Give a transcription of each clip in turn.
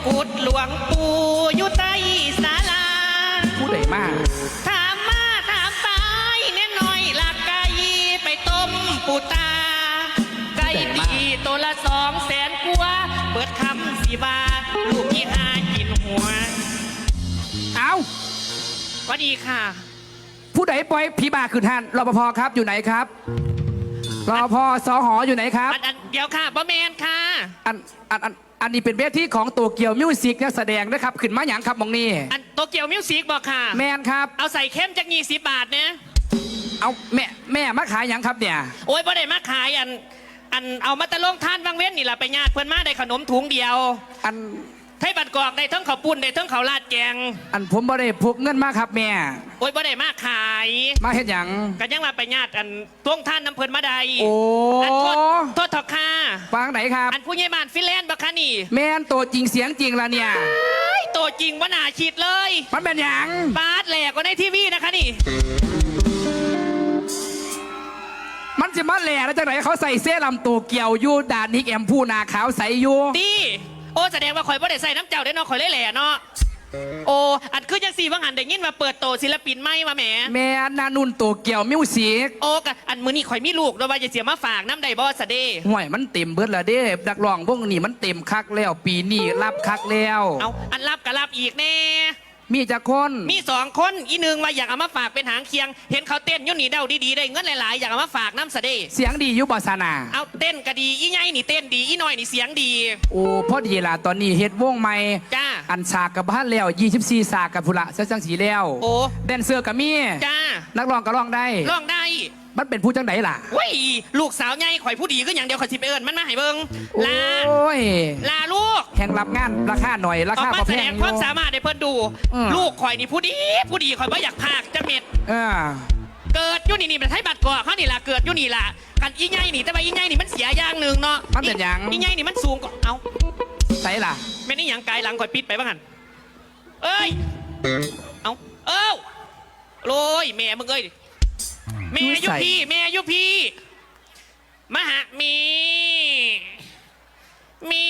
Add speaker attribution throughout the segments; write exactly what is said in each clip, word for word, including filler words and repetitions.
Speaker 1: กุฎหลวงปู่อยู่ใต้ศาลา
Speaker 2: ผู้ใดมาก
Speaker 1: ถามมาถามไปแน่น้อยละไก่ไปต้มปูตาไก่ดีตัวละสองแสนกว่าเปิดคำสีบาลูกยี่ห้ากินหัว
Speaker 2: เอา
Speaker 1: สวัสดีค่ะ
Speaker 2: ผู้ใดปล่อยผีบ้าขึ้นหันรปภครับอยู่ไหนครับรปภสหอยู่ไหนครับ
Speaker 1: อันเดี๋ยวค่ะบะเมนค่ะ
Speaker 2: อันอันอันอันนี้เป็นเวทีของโตเกียวมิวสิกนักแสดงนะครับขึ้นมาอย่างครับมองนี่
Speaker 1: อันโตเกียวมิวสิกบอกค่ะ
Speaker 2: แมนครับ
Speaker 1: เอาใส่เข้มจากยี่สิบบาทเนี่ย
Speaker 2: เอาแม่แม่มาขายอย่างครับเนี่ย
Speaker 1: โอ้ยบ่ได้มาขายอันอันเอามาตะลงท่านบางเว้นนี่แหละไปญาติเพื่อนมาได้ขนมถุงเดียว
Speaker 2: อัน
Speaker 1: ไทยบัตรกอกได้ทั้งข้าวปุ้นได้ทั้งข้าวราดแกง
Speaker 2: อันผมบ่ได้พกเงินมาครับแม่
Speaker 1: โอ้ยบ่ได้มาขาย
Speaker 2: มาเฮ็ดหยัง
Speaker 1: กันยังมาไปญาติอันท่วงท่านน้ำเพิ่นมาได้
Speaker 2: โอ้
Speaker 1: อันโทษโทษทอค่า
Speaker 2: ฟังไหนครับ
Speaker 1: อันผู้ใหญ่บ้านฟินแลนด์บักคะนี่
Speaker 2: แม่นตัวจริงเสียงจริงละเนี่ย
Speaker 1: ตัวจริงว่าน่าคิดเลย
Speaker 2: มันเป็นหยัง
Speaker 1: บาสแหลกกว่าในทีวีนะคะนี่
Speaker 2: มันจะมาแหล่แล้วจากไหนเขาใส่เสื้อลำตัวเกี่ยวยูดานนิกแอมผู้นาขาวใสยู
Speaker 1: ดีโอ้แสดงว่าข่อยบ่ได้ใส่น้ำเจ้าได้เนาะข่อยเลยแหล่เนาะโอ้อันคือจังสี่ว่างหันได้ยินมาเปิดโตศิลปินไม่มาแหม
Speaker 2: แม่นานุนตัวเกี่ยวมิวสิก
Speaker 1: โอ้กะอันมือนี่ข่อยมีลูกด้วยว่าจะเสียมาฝากน้ำใดบอสเด้
Speaker 2: ห่วยมันเต็มเบิดละเด้ดักร้องพวกนี้มันเต็มคักแล้วปีนี้รับคักแล้ว
Speaker 1: เอาอันรับกับรับอีกแน่
Speaker 2: มีจักคน
Speaker 1: มีสองคนอีหนึ่งว่าอยากเอามาฝากเป็นหางเคียงเห็นเขาเต้นยุ่นนี่เดาดีๆได้เงินหลายๆอยากเอามาฝากน้ำเสด็จ
Speaker 2: เสียงดียุบสนา
Speaker 1: เอาเต้นก็ดีอีไงนี่เต้นดีอีน้อยนี่เสียงดี
Speaker 2: โอ้พอดีล่ะตอนนี้เฮ็ดวงใหม่
Speaker 1: จ้า
Speaker 2: อันฉากกับบ้านแล้วยี่สิบสี่ฉากกับพุระเสื้อจังสีแล้ว
Speaker 1: โอ้
Speaker 2: แดนเซอร์กับมี
Speaker 1: จ้า
Speaker 2: นักร้องก็ร้องได้
Speaker 1: ร้องได้
Speaker 2: มันเป็นผู้จังไดล่ะ
Speaker 1: ว้ยลูกสาวใหญ่ข่อยผู้ดีก็อย่างเดียวข่อยสิไปเอิญมันมาให้เบิ่งลา
Speaker 2: โอ้ย
Speaker 1: ลาลูก
Speaker 2: แข่งรับงานราคาหน่อยราคา
Speaker 1: แสดงความสามารถให้เพิ่นดูลูกข่อยนี่ผู้ดีผู้ดีข่อยว่าอยากพากจะเม็ดเกิดยุ่นี่นี่มันให้บัตรก่อเขานี่ล่ะเกิดยุ่นี่ล่ะกันอีไงนี่แต่ว่าอีไงนี่มันเสียอย่างหนึ่งเนาะ
Speaker 2: มันเป็นอย่าง
Speaker 1: อีไงนี่มันสูงกว่าเอา
Speaker 2: ใส่ล่ะ
Speaker 1: ไม่นี่อย่างไกลหลังข่อยปิดไปบ้างหันเอ้ยเอาเอ้าโรยแม่มึงเอ้ยแม่ยุพีแม่ยุพีมหามีมี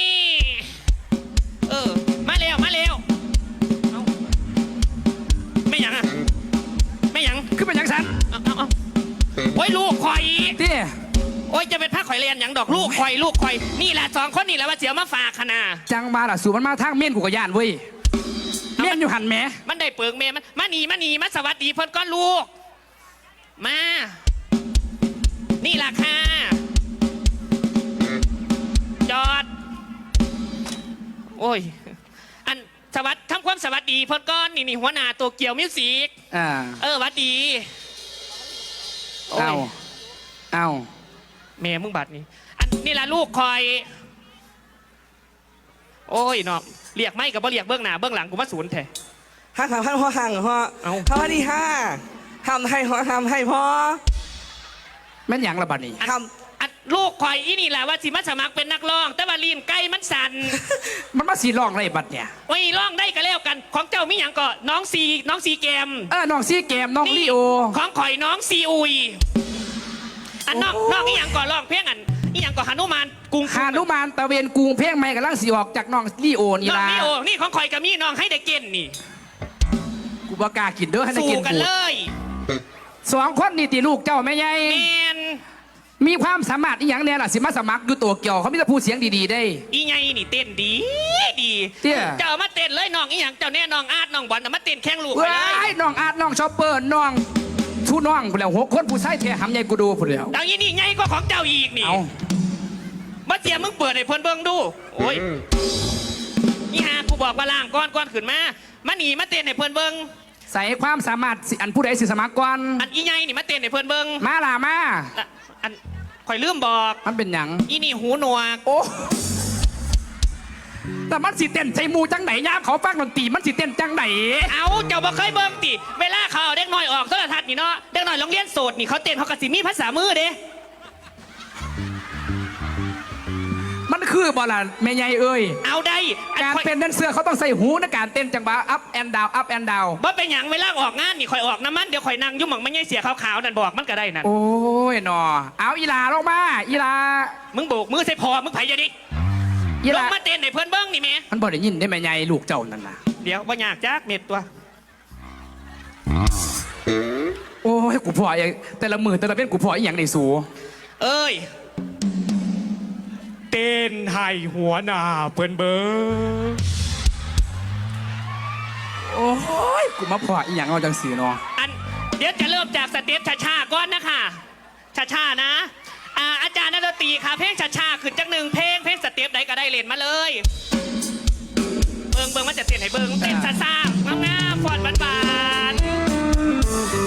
Speaker 1: เออมาเร็วมาเร็วเอาไม่ยังอะไม่ยัง
Speaker 2: คือเป็นยังสัน
Speaker 1: เอาเอาเอาโอ้ยลูกข่อย
Speaker 2: เตี้ย
Speaker 1: โอ้ยจะเป็นผ้าข่อยเรียนอย่างดอกลูกข่อยลูกข่อยนี่แหละสองคนนี่แหละว่าเสียมาฝากขนา
Speaker 2: จังมาล่ะสู่มันมาทางเมียนกูกย่านเว้ยเมียนอยู่หันแหม
Speaker 1: มันได้เปิงเมียมันมาหนีมาหนีมาสวัสดีเพิ่นก้อนลูกมานี่ล่ะค่ะจอดโอ้ยอันสวัสดีทำความสวัสดีเพิ่นก้อนนี่นี่หัวหน้าตัวเกี่ยวมิวสิก
Speaker 2: อ่า
Speaker 1: เออสวัสดี
Speaker 2: เอาเอา
Speaker 1: แม่มึงบัดนี่อันนี่ล่ะลูกคอยโอ้ยเนาะเรียกไม่กับบ่เรียกเบื้องหน้าเบื้องหลังกูมาศูนย์แท้
Speaker 3: ห้าสามห้าหัวห่างหัวสวัสดีห้าทำให้หัวทำให้พ่อ
Speaker 2: แม่นยังละบัดนี้
Speaker 1: ทำอัดลูกคอยอีนี่แหละว่าสิมาสมัครเป็นนักร้องแต่ว่าลีนไก่มันสั่น
Speaker 2: มันมาสีร้องอะไรบัดเนี่ย
Speaker 1: โอ้ยร้องได้ก็แล้วกันของเจ้ามีอย่างก็น้องซีน้องซีแกม
Speaker 2: เออน้องซีแกมน้องลีโอ
Speaker 1: ของข่อยน้องซีอุยอันน้องน้องอีหยังก่อร้องเพลงอันอีหยังก่อหนุมาน
Speaker 2: กุ้งหนุมานตะเวนกุ้งเพลงใหม่กำลังสีออกจากน้องลีโอนี่ละ
Speaker 1: น้องลีโอนี่ของข่อยกับมีน้องให้ได้เก่นนี่
Speaker 2: กูบอกล้ากินเด้อให้ได้กิน
Speaker 1: กันเลย
Speaker 2: สองคนนี่ตีลูกเจ้าแม่ใหญ่มีความสามารถอีหยังเนี่ยล่ะสิมาสมัครอยู่ตัวเกี่ยวเขาไม่จะพูดเสียงดีๆได้
Speaker 1: อีไงนี่เต้นดีดี
Speaker 2: เตี้ย
Speaker 1: เจ้ามาเต้นเลยน้องอีหยังเจ้าแน่น้องอาร์ตน้องบอลมาเต้นแข่งลูก
Speaker 2: เลยน้องอาร์ตน้องชอปเปอร์น้องชูน้องผู้เดียวหกคนผู้ชายเทหำใหญ่กูดูผู้เดียว
Speaker 1: ดังนี้นี่ไงก็ของเจ้าอีกนี่มาเจียมมึงเปิดให้เพิ่นเบิ่งดูโอ้ยนี่ฮะกูบอกว่าล่างก้อนก้อนขึ้นมามาหนีมาเต้นให้เพิ่นเบิ่ง
Speaker 2: ใส่ความสามารถอันผู้ใดสิสมัครก่อน
Speaker 1: อันอีไงนี่มาเต้นให้เพิ่นเบิ่ง
Speaker 2: มาล่ะมา
Speaker 1: อันข่อยลืมบอก
Speaker 2: มันเป็นหยัง
Speaker 1: อีนี่หูหนวก
Speaker 2: โอ้แต่มันสิเต้นใจมูจังไหนย่าเขาฟังดนตรีมันสิเต้นจังไหน
Speaker 1: เอาเจ้าบ่เคยเบิ่งติเวลาเขาเด็กน้อยออกโทรทัศน์นี่เนาะเด็กน้อยโรงเรียนโสดนี่เขาเต้นเขากระสิมีภาษามือเด้
Speaker 2: มันคือบ่ล่ะแม่ใหญ่เอ้ย
Speaker 1: เอาได้
Speaker 2: การเป็นแดนเซอร์เขาต้องใส่หูในการเต้นจังหวะ up and down up and down
Speaker 1: บ่เป็นหยังเวลาออกงานนี่ข่อยออกน้ำมันเดี๋ยวข่อยนั่งยุ่งหม่องไม่ใช่เสียขาวๆนั่นบอกมันก็ได้นั่น
Speaker 2: โอ้ยหนอเอาอีลาลงมาอีลา
Speaker 1: มึงโบกมือใส่พอมึงไผ่ยะดิ
Speaker 2: ยี่
Speaker 1: ล
Speaker 2: ละ
Speaker 1: งมาเต้นในเพื่อนเบิ้งนี่แม่
Speaker 2: มันบ่ได้ยินได้แม่ใหญ่ลูกเจ้านั่นน่ะ
Speaker 1: เดี๋ยวว่าอยากจักเม็ดตัว
Speaker 2: โอ้ยกูพออย่างแต่ละมือแต่ละเป็นกูพออีหยังในสู
Speaker 1: เอ้ย
Speaker 4: เต้นให้หัวหน้าเพิ่นเบิง
Speaker 2: โอ้ยกูมาพออีหยังเอาจังสีเนาะ
Speaker 1: อันเดี๋ยวจะเริ่มจากสเต็ปช้าๆก่อนนะคะช้าๆนะอ่าอาจารย์นักดนตรีค่ะเพลงช้าๆขึ้นจากหนึ่งเพลงเพลงสเต็ปใดก็ได้เล่นมาเลยเบิ่งเบิ่งมันจะเต้นให้เบิ่งเต้นซ่าๆงามๆฟอนหวานๆ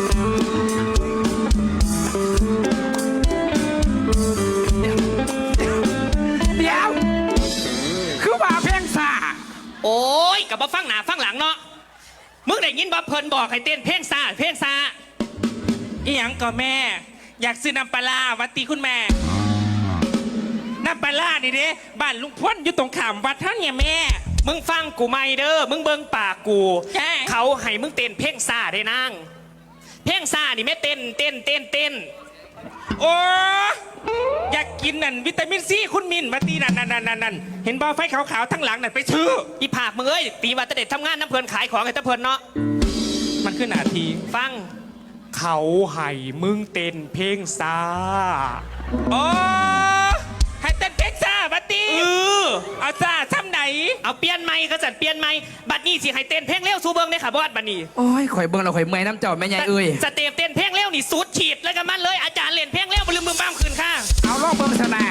Speaker 2: เดี๋ยวคือว่าเพลงซ่า
Speaker 1: โอ้ยกับมาฟังหนาฟังหลังเนาะมึงได้ยินบ่เพิ่นบอกให้เต้นเพลงซาเพลงซา
Speaker 4: อีหยังก็แม่ อยากซื้อน้ำปลาร้าวัดตีคุณแม่ น้ำปลาร้านี่เด้บ้านลุงพ้นอยู่ตรงขามวัดเท่าเนี่ยแม่
Speaker 1: มึงฟังกูไม่เด้อมึงเบิ่งปากกู
Speaker 4: ใช่
Speaker 1: เขาให้มึงเต้นเพลงซาได้นางเพลงซานี่แม่เต้นเต้นเต้นเต้น
Speaker 4: โอ้อยากกินนั่นวิตามินซีคุณมินมาตีนั่นนั่นนั่นนั่นเห็นบอไฟขาวๆทั้งหลังนั่นไปชื่อ
Speaker 1: อีผากมึงเอ้ยตีว่าแตะเด็ดทำงานน้ำเพลินขายของไอ้ตะเพลินเนาะ
Speaker 4: มันขึ้นหนาที
Speaker 1: ฟัง
Speaker 4: เขาให้มึงเต้นเพลงซาโอ้ให้เต้นเพลงซาบัตตี
Speaker 1: เออ
Speaker 4: เอาซาซ้ำไหน
Speaker 1: เอาเปลี่ยนไม้ก็จัดเปลี่ยนไม้บัดนี้สิให้เต้นเพลงเร็วสู้เบิ่งในขาบอดบัดนี้
Speaker 2: โอ้ยข่อยเบิ่งเราข่อยเมื่อยน้ำเจ้าแม่ใหญ่เอ้ย
Speaker 1: สเต็ปเต้นเพลงเร็วนี่สุดฉีดแล้วก็มันเลยอาจารย์เล่นเพลงเร็วบลืมบึมบ้ามคืนค่ะ
Speaker 2: เอาลองเบิ่งชนะ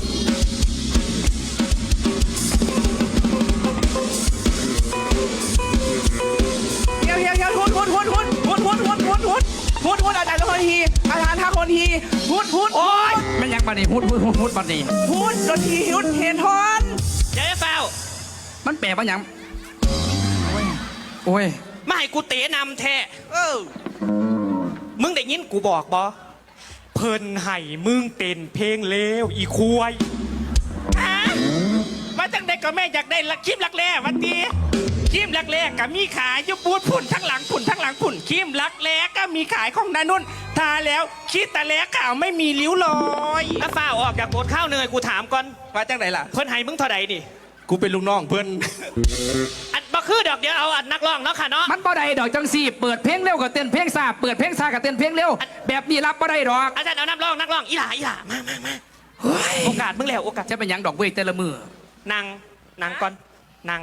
Speaker 3: เฮียวเฮียวเฮียวทุนทุนทุนทุนทุนทุนทุนทุนทุนทุนทุนอาจารย์คนทีอาจารย์ท่าคนทีทุนทุน
Speaker 2: โอ้ยแม่นยังบัดนี้ฮุดฮุดฮุดฮุดบัดนี้
Speaker 3: ทุนดนตรีทุนเฮนทอน
Speaker 1: เดี๋ยวจะเฝ้า
Speaker 2: มันแปลว่าหยังโอ้ยโอ้ย
Speaker 1: มาให้กูเตะนำแท้
Speaker 3: เออ
Speaker 1: มึงได้ยินกูบอกบอ
Speaker 4: เพิ่นให้มึงเต้นเพลงเลวอีควายฮะมาจังใดก็แม่อยากได้ละครีมรักแร้วันตีครีมรักแร้ก็มีขายอยุบูดผุ่นทั้งหลังผุ่นทั้งหลังผุ่นครีมรักแร้ก็มีขายของนานุ่นทาแล้วคิดแต่แล้ขาวไม่มีริ้วรอย
Speaker 1: ถ้าฝ้าออกจากโบสถ์ข้าวเนยกูถามก่อน
Speaker 3: มาจากไหนล่ะ
Speaker 1: เพิ่นให้มึงเท่าใดนี่
Speaker 4: กูเป็นลูกน้องเพิ่น
Speaker 1: อัดบ่คือดอกเดียวเอาอัดนักร้องเนาะค่ะเนาะ
Speaker 2: มันบ่ได้ดอกจังสี่เปิดเพลงเร็วกับเต้นเพลงซ่าเปิดเพลงซ่ากับเต้นเพลงเร็วแบบนี้รับบ่ได้ดอก
Speaker 1: อาจารย์เอานักร้องนักร้องอีหล่าอีหล่ามามามา
Speaker 2: เฮ้ย
Speaker 1: โอกาสมึงแล้วโอกาส
Speaker 2: จะเป็นหยังดอกเว้ยแต่ละมือ
Speaker 1: นั่งนั่งก่อนนั่ง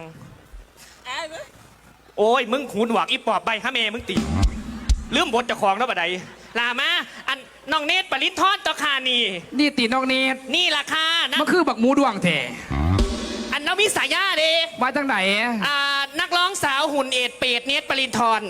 Speaker 1: โอ้ยมึงหูหนวกอีปอบใบฮะเมมึงตีลืมบทเจ้าของแล้วบัดใดลามาอันน้องเนตรปรินทอดตะคานี่
Speaker 2: นี่ตีนอกนี้
Speaker 1: นี่ราคานะ
Speaker 2: มันคือบักหมูดวงแท้
Speaker 1: อันนวิสายาเด
Speaker 2: ว่าจังไหน
Speaker 1: อ่านักร้องสาวหุ่นเอ็ดเปรตเนตรปรินทร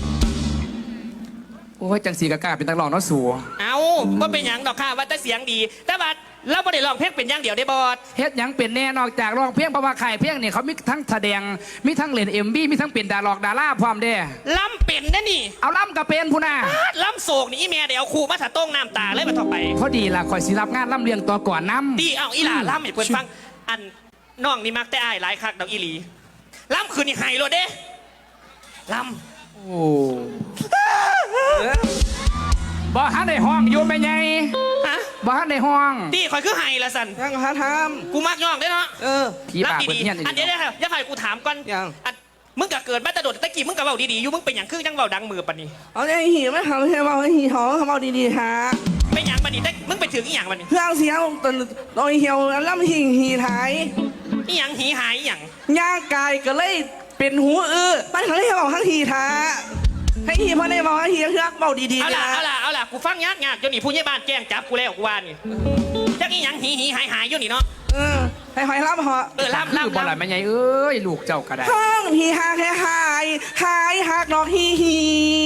Speaker 2: โอ้ยจังสีกะกล้าเป็นนักร้องเนาะสู
Speaker 1: เอาว่าเป็นหยังดอกค่ะว่าแต่เสียงดี แต่ว่าเราไม่ได้ร้องเพลงเป็นอย่างเดียวได้บอด
Speaker 2: เฮ็ดหยังเป็นแน่นอกจากร้องเพลงเพราะว่าค่ายเพลงเนี่ยเขามีทั้งแสดงมีทั้งเล่นเอ็มบีมีทั้งเป็นดาราดาราพร้อมเด้
Speaker 1: ล้ำเป็นนะนี่
Speaker 2: เอาล่ำกับเป็นพูน่ะ
Speaker 1: ล้ำโศกนี่อีเมียเดี๋ยวครูมาถาต้งน้ำตาเลยมาต่อไป
Speaker 2: พอดีล่ะคอยสิรับงานล่ำเลียงตัวก่อนน้ำ
Speaker 1: ดีเอาอีหล่าล้ำให้เพื่อนฟัง อันน้องนี่มักแต่อายหลายคักดอกอีหลีล้ำคืนนี่ไฮโลดเด้ล้
Speaker 2: โอ้บ่ฮันในห้องอยู่แม่ใหญ่
Speaker 1: ำฮะ
Speaker 2: บ่ฮันในห้อง
Speaker 1: ดีคอยคือไฮละสัน
Speaker 3: ยังหาท
Speaker 1: กูมักย่องได้เนาะ
Speaker 3: ำเออ
Speaker 2: ผีบา
Speaker 1: ล้ำ
Speaker 2: เปิด
Speaker 1: ดี
Speaker 2: เฮียน
Speaker 1: ๆอันเดี๋ยวเดี๋ยวอย่าไฟกูถามก่อน
Speaker 3: ยัง
Speaker 1: อันมึงก็เกิดมาแต่โดดตะกี้มึงก็เว้าดีๆอยู่มึงเป็นอย่างคือจังเว้าดังมือปะนี่
Speaker 3: เอาไอ้หีไม่ทำให้เบาไอ้หีหอมเขาเบาดีๆฮะ
Speaker 1: เป็นอย่างปะนี่แต่มึงไปถึงอีหยังปะนี่
Speaker 3: เครื่องเสียงตอนตอนเหี่ยวล่ำหิ่งหีไทย
Speaker 1: อีหยังหีหายอีหยัง
Speaker 3: ย่างกายก็เลยเป็นหูอื้อมันเขาเลยบอกทั้งหีท้าให้หีพอได้บอกให้หีเครื่องเบาดี
Speaker 1: เอา
Speaker 3: ๆ
Speaker 1: ล่ะ
Speaker 3: นะ
Speaker 1: เอาล่ะเอาล่ะกูฟังยากยากจนนี่ผู้ใหญ่บ้านแจ้งจับกูแล้วกูว่านี่จักอีหยังหีหีหายหายอยู่นี่เนาะ
Speaker 3: เออให้หอยรับเหาะ
Speaker 1: เออล่ำ
Speaker 2: คือ
Speaker 1: ล่ำ
Speaker 2: บ่ล่ะ
Speaker 1: ล่ำ
Speaker 2: แม่ใหญ่เอ้ยลูกเจ้าก็ได้
Speaker 3: ห้องหีหาแค่หายหายหักดอกหีหี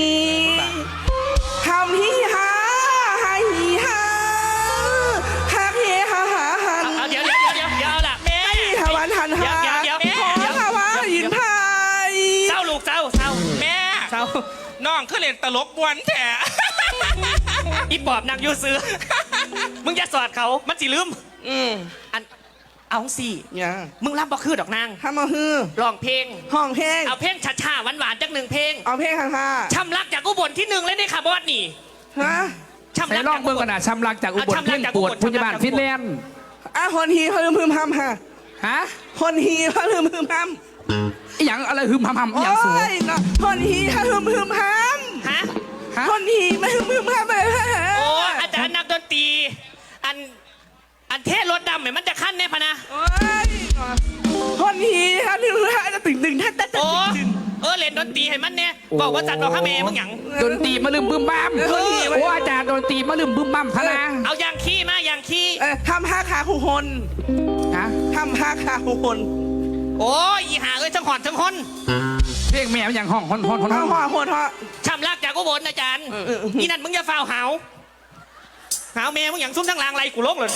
Speaker 3: ทำหีหาหายหีหาหักหีหาหาหัน
Speaker 1: เอาเดี๋ยวเดี๋ยวเดี๋ยวเดี๋ยวเอาล่ะแม่
Speaker 3: ทวันหันหา
Speaker 1: เดี๋ยวเดี๋ยวเดี๋ยว
Speaker 3: ขอ
Speaker 1: เดี๋ยว
Speaker 3: ทวันหินพาย
Speaker 1: เศร้าลูกเศร้าเศร้า
Speaker 4: แม่
Speaker 1: เศร้า
Speaker 4: น้องคือเล่นตลกบวนแท้
Speaker 1: อีปอบนางยูซื้อ มึงอย่าสอดเขามันสิลืม
Speaker 3: อืม
Speaker 1: อันเอาสิ
Speaker 3: อย่า
Speaker 1: มึงรับบ่คือดอกนาง
Speaker 3: ทำมาฮือ
Speaker 1: ร้องเพลง
Speaker 3: ห้องเพลง
Speaker 1: เอาเพลงช้าๆหวานๆจักหนึ่งเพลง
Speaker 3: เอาเพลงค่ะค่ะ
Speaker 1: ช้ำรักจากอุบลที่หนึ่งเลยนี่ค่ะบอสนี่
Speaker 3: ฮะ
Speaker 1: ช้ำ
Speaker 2: ใส่
Speaker 1: รัก
Speaker 2: ลอ
Speaker 1: จาง กอุ
Speaker 2: เบิ่ง
Speaker 1: บ
Speaker 2: กั
Speaker 1: ล
Speaker 2: นน่ะชำลักจากอุบล
Speaker 1: เอาชำลั
Speaker 2: เพ่
Speaker 1: ก
Speaker 2: ง
Speaker 1: จาก
Speaker 2: ป
Speaker 1: อุ
Speaker 2: ว
Speaker 1: บ
Speaker 2: ด
Speaker 1: ล
Speaker 2: พุทธบาล
Speaker 1: ชำลักจากอุบล
Speaker 2: ฟินแลนด์
Speaker 3: อ่ะคนทีเขาลืมพึมพำค่ะ
Speaker 2: ฮะ
Speaker 3: คนฮีพะลืมฮึมฮัม
Speaker 2: อหย่างอะไรหึมหำหำอหย่างสูง
Speaker 3: โอ้ยเนาะคนฮีพะลืมฮึมฮัม
Speaker 1: ฮะ
Speaker 2: ฮะ
Speaker 3: คนฮีมาฮึมฮึมฮัมเลย
Speaker 1: โอ้อาจารย์นักดนตรีอันอันเทศรถดำเนี่ยมันจะขั้นแน่พะนะ
Speaker 3: โอ้ยเนาะคนฮีพะลืมฮึมฮัมจะตึงตึงท่านท่าน
Speaker 1: โอ้
Speaker 3: ตึง
Speaker 1: เออเล่นดนตรีให้มันเนี่ยบอกว่าจัดบอกข้าเมย์มึงหยัง
Speaker 2: ดนตรีมาลืมบึ้มบ้าม
Speaker 3: เออ
Speaker 2: โอ้อาจารย์ดนตรีมาลืมบึ้มบ้ามพะนะ
Speaker 1: เอายางขี้มายางขี้
Speaker 3: เออทำห้าขาคู่คน
Speaker 2: ฮะ
Speaker 3: ทำห้าขาคู่คน
Speaker 1: โอ้ยอีหาเอ้ยทั้งหอนทั้งหอน
Speaker 2: เพลงแม่มันอย่างห้องฮอนฮอนฮอน
Speaker 3: เอา
Speaker 2: ฮ
Speaker 3: หัว
Speaker 2: อน
Speaker 3: คนเหาะ
Speaker 1: ช้ำลากจากอุบลอาจารย์
Speaker 3: เออเออเออ
Speaker 1: นี่นั่นมึงอย่าฟาวหาวหาวเมย์มึงหยังซุ่มทั้งลางไรกูลงเลย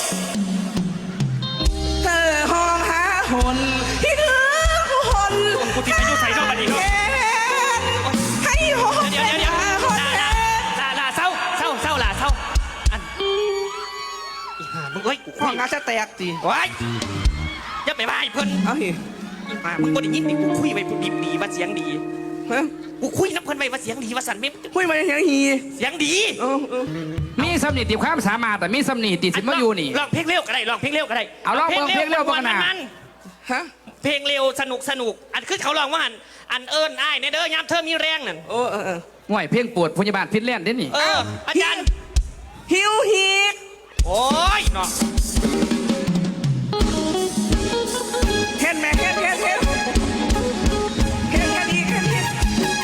Speaker 3: เธอห้องหาคนที่เหลือคู่คน
Speaker 1: กูติดไปอยู่ใส่นอกบันนี้เนาะ
Speaker 3: ให้หอ
Speaker 1: เดี๋ยวเดี๋ยวเดี๋ยว
Speaker 3: คน
Speaker 1: ลา
Speaker 3: แท
Speaker 1: ลาน ลาลาเศร้าเศร้าเศร้าลาเศร้าอันอีห่ามึงเอ้ยกู
Speaker 3: ห้องงานจะแตกจี
Speaker 1: โอ้ยอย่าไปบ้าไอ้เพิ่น
Speaker 3: เอาหิ
Speaker 1: อีห่ามึงบ่ได้ยินดิกูคุยไปกูดีดีว่าเสียงดี
Speaker 3: ฮะ
Speaker 1: กูคุยน้ำเพิ่นไปว่าเสียงดีว่าสันไม่
Speaker 3: คุยมาอย่างฮี
Speaker 1: เสียงดี
Speaker 3: เออเออ
Speaker 2: มีสำนีติความสามารถแต่มีสำนีติสิมาอยู่นี่
Speaker 1: ลองเพลงเร็วก็ได้ลองเพลงเร็วก็ได้
Speaker 2: เอาลองเพลงเร็ว
Speaker 1: มั
Speaker 2: บ้าง
Speaker 1: น
Speaker 2: นะ
Speaker 1: มัน
Speaker 3: ฮะ
Speaker 1: เพลงเร็วสนุกสนุกอันคือเขาลองว่าอันอันเอิญอ้ายในเด้อยามเธอมีแรงนั่น
Speaker 3: โอ้เออเออ
Speaker 2: ห่วยเพลงปวดพยาบาลฟินแลนด์เด้นี่
Speaker 1: เอออาจารย์
Speaker 3: ฮิวฮีก
Speaker 1: โอ้ยเนาะ
Speaker 3: เห็นไหมเห็นเห็นเห็นเห็นกันอีกเห็นเห็น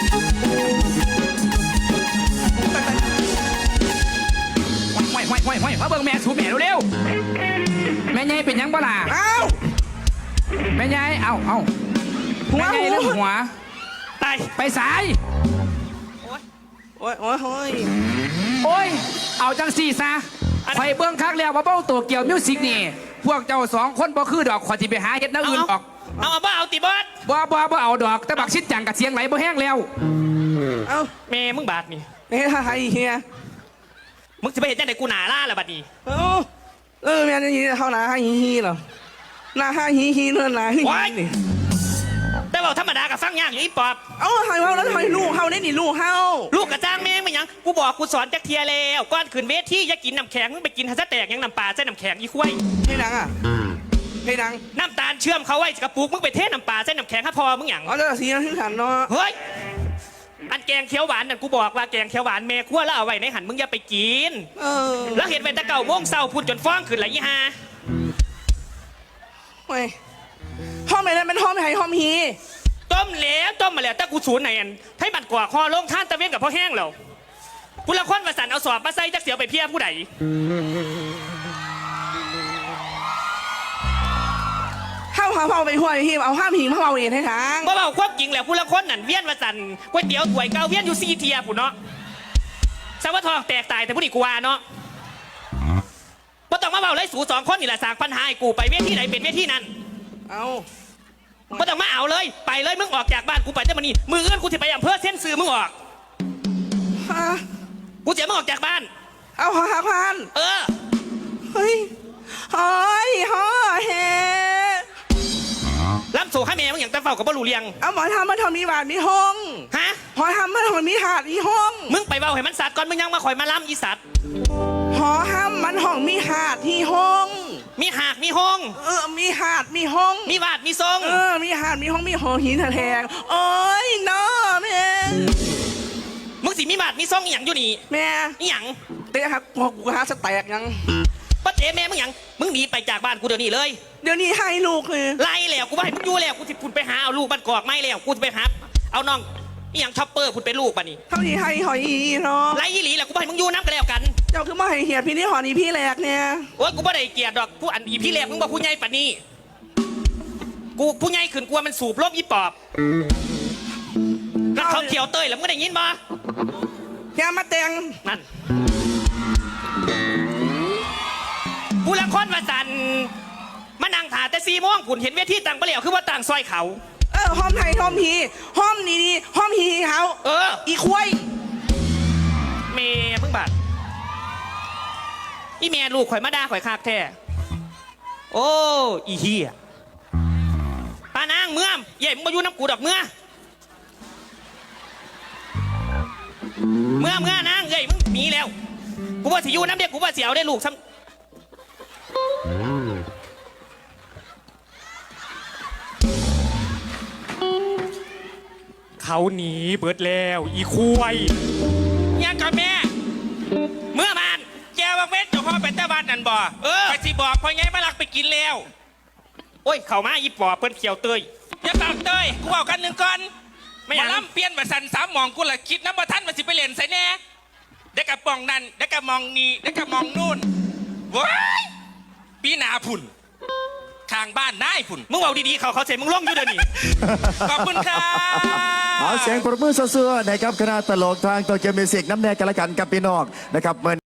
Speaker 2: ห่วยห่วยห่วยห่วยมาเบิ่งแม่สูแม่เร็วๆแม่ใหญ่เป็นหยังบ่ล่ะ
Speaker 3: เอ้า
Speaker 2: แม่ใหญ่เอ้าเอ้า
Speaker 3: หัว
Speaker 2: แม่ใหญ่
Speaker 3: หั
Speaker 2: เรื่อง
Speaker 3: ว
Speaker 2: หัว
Speaker 1: ตาย
Speaker 2: ไปสาย
Speaker 1: โอ้ย
Speaker 3: โอ้ยโอ้ยโอ้ย
Speaker 2: โอ้ย เอาจังสี่ซะข่อยเบิ่งคักแล้วว่าเบ้าตัวเกี่ยวมิวสิกนี่ พวกเจ้าสองคนบ่คือดอกข่อยสิไปหาเฮ็ดแนวอื่นออก
Speaker 1: เอาเอาบ้าเอาติบอส
Speaker 2: บ่บ่บ่เอาดอก แต่บักชิดจังกับเสียงไหลบ่แห้งแล้ว
Speaker 3: เอ้า
Speaker 1: แม่มึงบาดนี่
Speaker 3: เฮ้ยไฮเฮีย
Speaker 1: มึงจะไปเห็นจังไดกูหนาล่าละบัดนี้
Speaker 3: เอ้าเออแม่นี่เท่าหนาไฮฮีเหรอหนาไฮฮีฮีเนื้อหนาฮีนี่
Speaker 1: แต่ว่าธรรมดากับฟังยากอยู่อีปอบ
Speaker 3: เอ้าไฮเฮาแล้วทำไมลูกเฮาได้นี่ลูกเฮา
Speaker 1: ลูกกระจ้างแม่งไม่ยังกูบอกกูสอนจักเทียแล้วก่อนขึ้นเวทีอย่ากินน้ำแข็งมึงไปกินฮัสแตกยังน้ำปลาใส่น้ำแข็งอีควาย
Speaker 3: ให้ดังอ่ะให้ดัง
Speaker 1: น้ำตาลเชื่อมเขาไว้กระปุกมึงไปเทน้ำปลาใส่น้ำแข็งให้พอมึงหยัง
Speaker 3: อ๋อจะสีนั้นที่ขันเนาะ
Speaker 1: เฮ้ยอันแกงเขียวหวานนั่นกูบอกว่าแกงเขียวหวานแม่ขั้วแล้วเอาไว้ในหันมึงอย่าไปกิน
Speaker 3: เออ
Speaker 1: แล้วเห็นไปตะเก่าโม่งเศร้าพูดจนฟ้องขึ้นไหลยี่ห้า
Speaker 3: เว้ยห้องไหนนั่นเป็นห้องไหนห้องฮี
Speaker 1: ต้มแล้วต้มมาแล้วแต่กูสูนไหนอันให้บัดกว่าคอลงท่านตะเวนกับพ่อแห้งแล้วผู้ละคนประสันเอาสอบมาใส่จักเสียวไปเพี้ยผู้ใด
Speaker 3: ห้ามเฮาไปหัวฮีเอาห้ามหิงเฮาเองให้ทาง
Speaker 1: เมื่อเบาควบจริงแล้วผู้ละคนนั่นเวียนประสันก๋วยเตี๋ยวถ้วยเก่าเวียนอยู่ซีเทียผู้เนาะสวัสดิ์ทองแตกตายแต่ผู้ดีกว่าเนาะบ่ต้องมาเบาเลยสูสองคนนี่แหละสร้างปัญหาให้กูไปเวทีไหนเป็นเวทีนั้น
Speaker 3: เอา
Speaker 1: บ่ต้องมาเอาเลยไปเลยมึงออกจากบ้านกูไปจะมานี่มืออื่นกูจะไปอำเภอเส้นซื้อมึงออก
Speaker 3: ฮะ
Speaker 1: กูจะมึงออกจากบ้าน
Speaker 3: เอาหาพัน
Speaker 1: เออ
Speaker 3: เฮ้ยหอยหอเฮ
Speaker 1: รับโซ่ให้แม่มึงอย่างตะเฝ้ากับบ่รู้เรียง
Speaker 3: เอาหมอทำมาทำมีบาทมีห้อง
Speaker 1: ฮะ
Speaker 3: หอทำมาทำมีถาดมีห้อง
Speaker 1: มึงไปเบาให้มันสัตว์ก่อนมึงยังมาคอยมาล้ำอีสัตว์
Speaker 3: หอห้ามมันห้องมีหาดที่ห้อง
Speaker 1: มีหากมีห้อง
Speaker 3: เออมีหาดมีห้อง
Speaker 1: มีวาดมีทรง
Speaker 3: เออมีหาดมีห้องมีหอหินแทงโอ้ยน้อแม่
Speaker 1: มึงสิมีวาดมีทรงอีหยังอยู่นี่
Speaker 3: แม่
Speaker 1: อีหยัง
Speaker 3: เตะหักหัวกูหาสแตกยัง
Speaker 1: ป้าเจ๊แม่มึงหยังมึงหนีไปจากบ้านกูเดี๋ยวนี้เลย
Speaker 3: เดี๋ยวนี้ให้ลูกเลย
Speaker 1: ไล่แล้วกูว่าให้มึงอยู่แล้วกูสิพุ่นไปหาเอาลูกบ้านกอกไม่แล้วกูจะไปหาเอาน้องอีหยังช็อปเปอร์พุ่นไปลูกป่ะนี่
Speaker 3: เท่านี้ให้หอยอีเนาะ
Speaker 1: ไล่อีหลีแล้วกูว่าให้มึงอยู่น้ำกันแล้วกัน
Speaker 3: เจ้าคือมาให้เหียพี่นี่หอนี่พี่แหลกเนี่ย
Speaker 1: โอ้ยกูไม่ได้เกลียดดอกผู้อันอีพี่แรกมึงบอกผู้ใหญ่ป่ะนี่กูผู้ใหญ่ขึ้นกลัวมันสูบลบอีปอบแล้วเขาเขียวเต้ยแล้วมึงได้ยินบ่
Speaker 3: แกมาแต่ง
Speaker 1: นั่นผู้ละคนว่าสันมานั่งถ่าแต่ซีม่วงผุนเห็นเวทีต่างไปแล้วคือว่าต่างซอยเขา
Speaker 3: เออห้อมไทยห้อมฮีห้อมนี่นี่ห้อมฮีเขา
Speaker 1: เออ
Speaker 3: อีควาย
Speaker 1: เมย์มึงบาดอีเมียลูกข่อยมาด่าข่อยคากแท้โอ้อีเฮียปานางเมื่อมใหญ่มึงมาอยู่น้ำกูดอกเมื่อเมื่อเมื่อนางเอ้ยมึงหนีแล้วกูว่าสิอยู่น้ำเด็กกูว่าเสียวได้ลูกซ้ำ
Speaker 4: เขาหนีเบิดแล้วอีควายยังกับแม่ เมื่อมานแกว่าเวทเจ้าพ่อเป็นเจ้าบ้านนั่นบ่เออไปสิบอกพ่อไงมาลักไปกินแล้วโอ้ยเข้ามาอีปอบเพิ่นเขียวเตยอย่าปากเตยกูเอากันหนึ่งก่อนไม่อยากล่ำเปลี่ยนมาสั่นสามหมองกูละคิดน้ำบ่ท่านมาสิไปเล่นใส่แน่ได้กับปองนั่นได้กับมองนี่ได้กับมองนู่นว้ายปีหนาพุ่นทางบ้านนายพุ่นมึงเอาดีๆเขาเขาเสร็จมึงล่องอยู่เดี๋ยวนี้ ขอบคุณครับ
Speaker 5: เอาเสียงปรบมือซื่อๆนะครับคณะตลกทางโตเกียวมิวสิกน้ำแดงกันละกันกับพี่น้องนะครับ